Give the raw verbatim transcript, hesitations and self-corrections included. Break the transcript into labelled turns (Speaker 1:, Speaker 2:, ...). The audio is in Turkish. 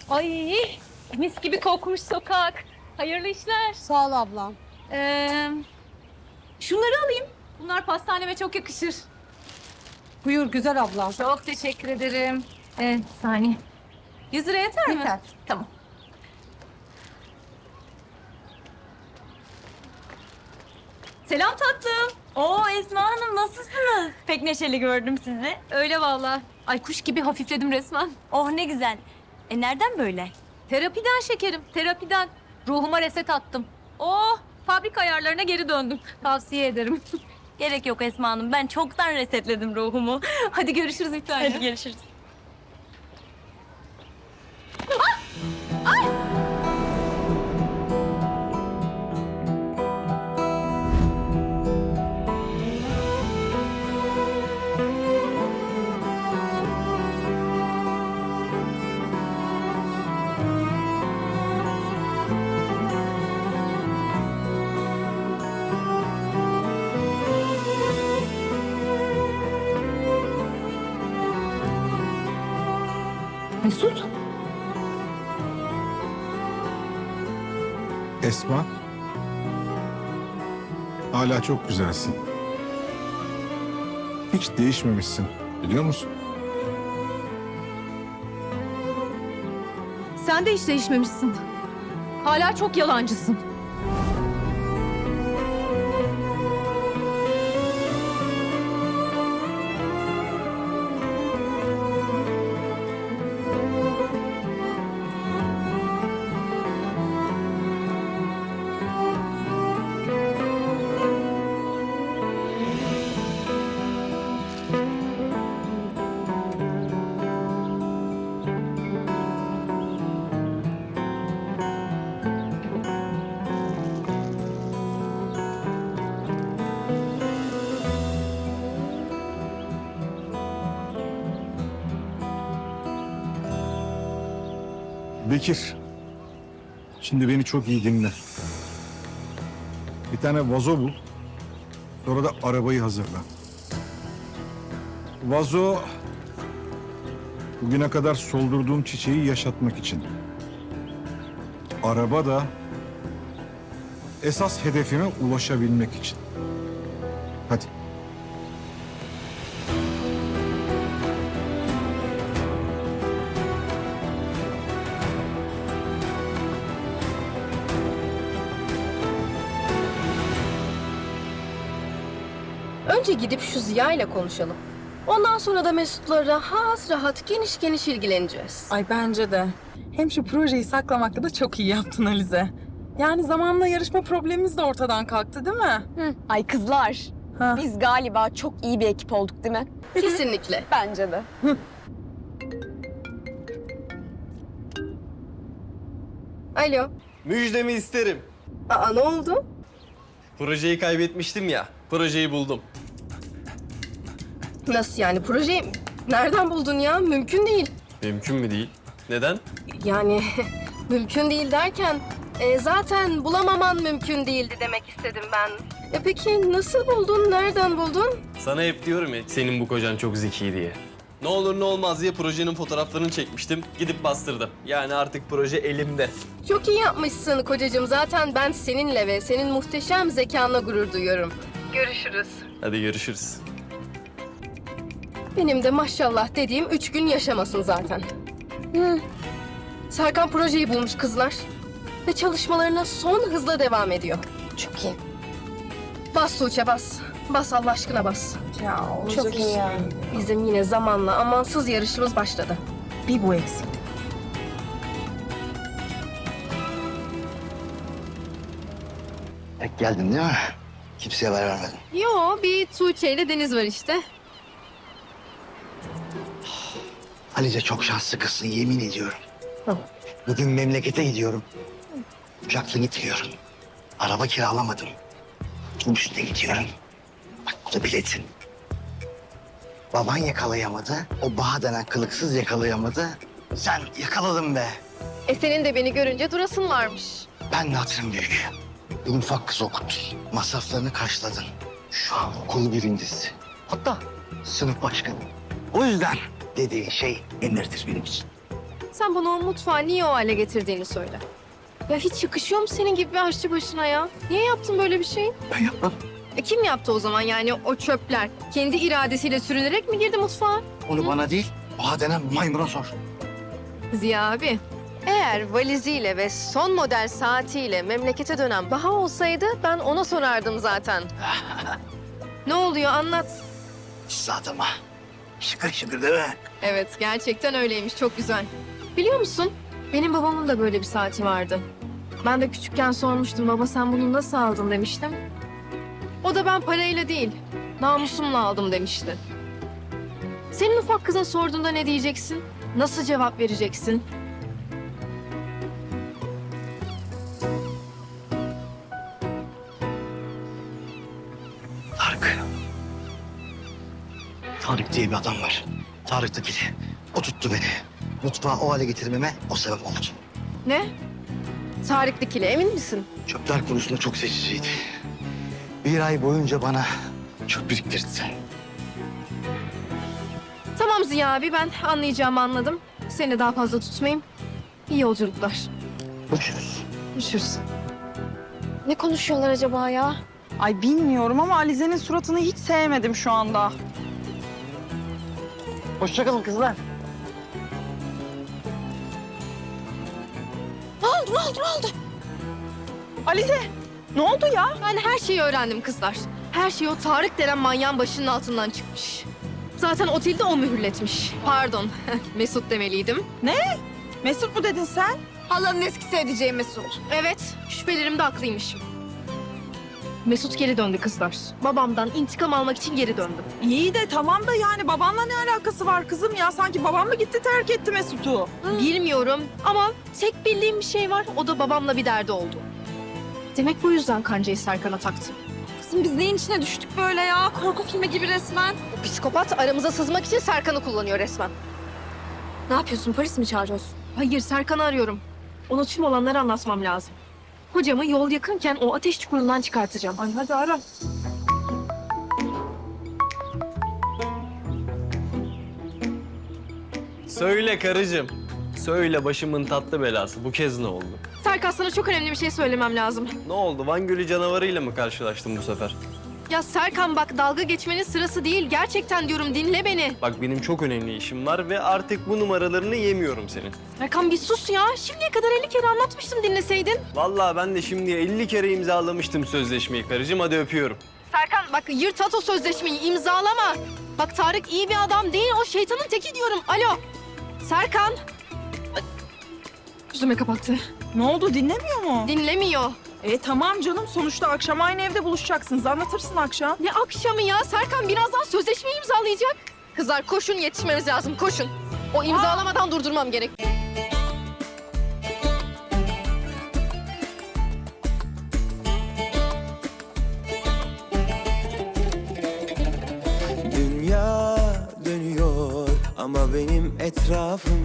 Speaker 1: Ay mis gibi kokmuş sokak. Hayırlı işler.
Speaker 2: Sağ ol ablam.
Speaker 1: Ee, şunları alayım. Bunlar pastaneme çok yakışır.
Speaker 2: Buyur güzel ablam.
Speaker 1: Çok teşekkür ederim. Ee, bir saniye. Yüz lira yeter mi?
Speaker 2: Yeter.
Speaker 1: Tamam. Selam tatlım.
Speaker 3: Oo Esma Hanım nasılsınız? Pek neşeli gördüm sizi.
Speaker 1: Öyle vallahi. Ay kuş gibi hafifledim resmen.
Speaker 3: Oh ne güzel. E nereden böyle?
Speaker 1: Terapiden şekerim, terapiden. Ruhuma reset attım. Oh, fabrika ayarlarına geri döndüm. Tavsiye ederim.
Speaker 3: Gerek yok Esma Hanım. Ben çoktan resetledim ruhumu.
Speaker 1: Hadi görüşürüz bir tane.
Speaker 3: Hadi görüşürüz.
Speaker 1: Mesut.
Speaker 4: Esma. Hala çok güzelsin. Hiç değişmemişsin, biliyor musun?
Speaker 1: Sen de hiç değişmemişsin. Hala çok yalancısın.
Speaker 4: Bekir, şimdi beni çok iyi dinle. Bir tane vazo bul, sonra da arabayı hazırla. Vazo, bugüne kadar soldurduğum çiçeği yaşatmak için. Araba da esas hedefime ulaşabilmek için. Hadi.
Speaker 5: Önce gidip şu Ziya ile konuşalım. Ondan sonra da Mesut'la rahat rahat geniş geniş ilgileneceğiz.
Speaker 6: Ay bence de. Hem şu projeyi saklamakta da çok iyi yaptın Alize. Yani zamanla yarışma problemimiz de ortadan kalktı değil mi?
Speaker 7: Ay kızlar,
Speaker 6: Ha.
Speaker 7: biz galiba çok iyi bir ekip olduk değil mi?
Speaker 5: Kesinlikle.
Speaker 7: Bence de.
Speaker 5: Alo.
Speaker 8: Müjdemi isterim.
Speaker 5: Aa ne oldu?
Speaker 8: Projeyi kaybetmiştim ya. Projeyi buldum.
Speaker 5: Nasıl yani projeyi nereden buldun ya? Mümkün değil.
Speaker 8: Mümkün mü değil? Neden?
Speaker 5: Yani mümkün değil derken e, zaten bulamaman mümkün değildi demek istedim ben. E peki nasıl buldun? Nereden buldun?
Speaker 8: Sana hep diyorum ya senin bu kocan çok zeki diye. Ne olur ne olmaz diye projenin fotoğraflarını çekmiştim. Gidip bastırdım. Yani artık proje elimde.
Speaker 5: Çok iyi yapmışsın kocacığım. Zaten ben seninle ve senin muhteşem zekanla gurur duyuyorum. Görüşürüz.
Speaker 8: Hadi görüşürüz.
Speaker 5: Benim de maşallah dediğim üç gün yaşamasın zaten. Hı. Serkan projeyi bulmuş kızlar. Ve çalışmalarına son hızla devam ediyor.
Speaker 7: Çok iyi.
Speaker 5: Bas Tuğçe bas. Bas Allah aşkına bas.
Speaker 6: Ya olacak
Speaker 7: Çok iyi
Speaker 6: iş
Speaker 7: ya.
Speaker 6: değil.
Speaker 5: Bizim yine zamanla amansız yarışımız başladı.
Speaker 6: Bir bu eksik.
Speaker 9: Tek geldin değil mi? Kimseye haber vermedin.
Speaker 5: Yo bir Tuğçe ile Deniz var işte.
Speaker 9: Alice çok şanslı kızsın yemin ediyorum. Bugün memlekete gidiyorum. Uçakla gitmiyorum. Araba kiralamadım. Otobüsle gidiyorum. Bak bu da biletin. Baban yakalayamadı. O Baha denen kılıksız yakalayamadı. Sen yakaladın be.
Speaker 5: E senin de beni görünce durasın varmış.
Speaker 9: Ben de hatırım büyük. Benim ufak kız okuttun. Masraflarını karşıladın. Şu an okul birincisi. Hatta sınıf başkanı. O yüzden dediğin şey emirdir benim için.
Speaker 5: Sen bana o mutfağı niye o hale getirdiğini söyle. Ya hiç yakışıyor mu senin gibi bir aşçı başına ya? Niye yaptın böyle bir şey?
Speaker 9: Ben yapmadım.
Speaker 5: E kim yaptı o zaman yani o çöpler? Kendi iradesiyle sürünerek mi girdi mutfağa?
Speaker 9: Onu bana değil, o denen maymuna sor.
Speaker 5: Ziya abi, eğer valiziyle ve son model saatiyle memlekete dönen Baha olsaydı ben ona sorardım zaten. Ne oluyor anlat.
Speaker 9: Zaten ha. Şıkır şıkır değil mi?
Speaker 5: Evet, gerçekten öyleymiş. Çok güzel. Biliyor musun? Benim babamın da böyle bir saati vardı. Ben de küçükken sormuştum. Baba sen bunu nasıl aldın demiştim. O da ben parayla değil, namusumla aldım demişti. Senin ufak kızın sorduğunda ne diyeceksin? Nasıl cevap vereceksin?
Speaker 9: Tarık. Tarık diye bir adam var. Tarık da biri. O tuttu beni. Mutfağı o hale getirmeme o sebep oldu.
Speaker 5: Ne? Tarık Dikili, emin misin?
Speaker 9: Çöpler konusunda çok seçiciydi. Bir ay boyunca bana çöp biriktirdi.
Speaker 5: Tamam Ziya abi, ben anlayacağımı anladım. Seni daha fazla tutmayayım. İyi yolculuklar.
Speaker 9: Görüşürüz.
Speaker 5: Görüşürüz.
Speaker 7: Ne konuşuyorlar acaba ya?
Speaker 6: Ay bilmiyorum ama Alize'nin suratını hiç sevmedim şu anda.
Speaker 9: Hoşçakalın kızlar.
Speaker 6: Alize ne oldu ya?
Speaker 5: Ben her şeyi öğrendim kızlar. Her şey o Tarık denen manyağın başının altından çıkmış. Zaten otelde o mühürletmiş. Pardon, Mesut demeliydim.
Speaker 6: Mesut mu dedin sen?
Speaker 5: Halanın eski sevdiceği Mesut. Evet, şüphelerimde haklıymışım. Mesut geri döndü kızlar. Babamdan intikam almak için geri döndü.
Speaker 6: İyi de tamam da yani babanla ne alakası var kızım ya? Sanki babam mı gitti terk etti Mesut'u?
Speaker 5: Bilmiyorum ama tek bildiğim bir şey var. O da babamla bir derdi oldu. Demek bu yüzden kancayı Serkan'a taktı.
Speaker 7: Kızım biz neyin içine düştük böyle ya? Korku filmi gibi resmen.
Speaker 5: O psikopat aramıza sızmak için Serkan'ı kullanıyor resmen.
Speaker 7: Ne yapıyorsun? Polis mi çağırıyorsun?
Speaker 5: Hayır, Serkan'ı arıyorum. Ona tüm olanları anlatmam lazım. Hocamı yol yakınken o ateş çukurundan çıkartacağım. Ay hadi ara.
Speaker 8: Söyle karıcığım. Söyle başımın tatlı belası. Bu kez ne oldu?
Speaker 5: Serkan sana çok önemli bir şey söylemem lazım.
Speaker 8: Ne oldu? Van Gölü canavarıyla mı karşılaştın bu sefer?
Speaker 5: Ya Serkan bak dalga geçmenin sırası değil. Gerçekten diyorum dinle beni.
Speaker 8: Bak benim çok önemli işim var ve artık bu numaralarını yemiyorum senin.
Speaker 5: Serkan bir sus ya. Şimdiye kadar elli kere anlatmıştım dinleseydin.
Speaker 8: Vallahi ben de şimdiye elli kere imzalamıştım sözleşmeyi karıcığım. Hadi öpüyorum.
Speaker 5: Serkan bak yırt at o sözleşmeyi imzalama. Bak Tarık iyi bir adam değil o şeytanın teki diyorum. Alo. Serkan. Ay, yüzüme kapattı.
Speaker 6: Ne oldu dinlemiyor mu?
Speaker 5: Dinlemiyor.
Speaker 6: E tamam canım sonuçta akşam aynı evde buluşacaksınız. Anlatırsın akşam.
Speaker 5: Ne akşamı ya? Serkan birazdan sözleşmeyi imzalayacak. Kızlar koşun yetişmemiz lazım koşun. O imzalamadan durdurmam gerek.
Speaker 10: Dünya dönüyor ama benim etrafım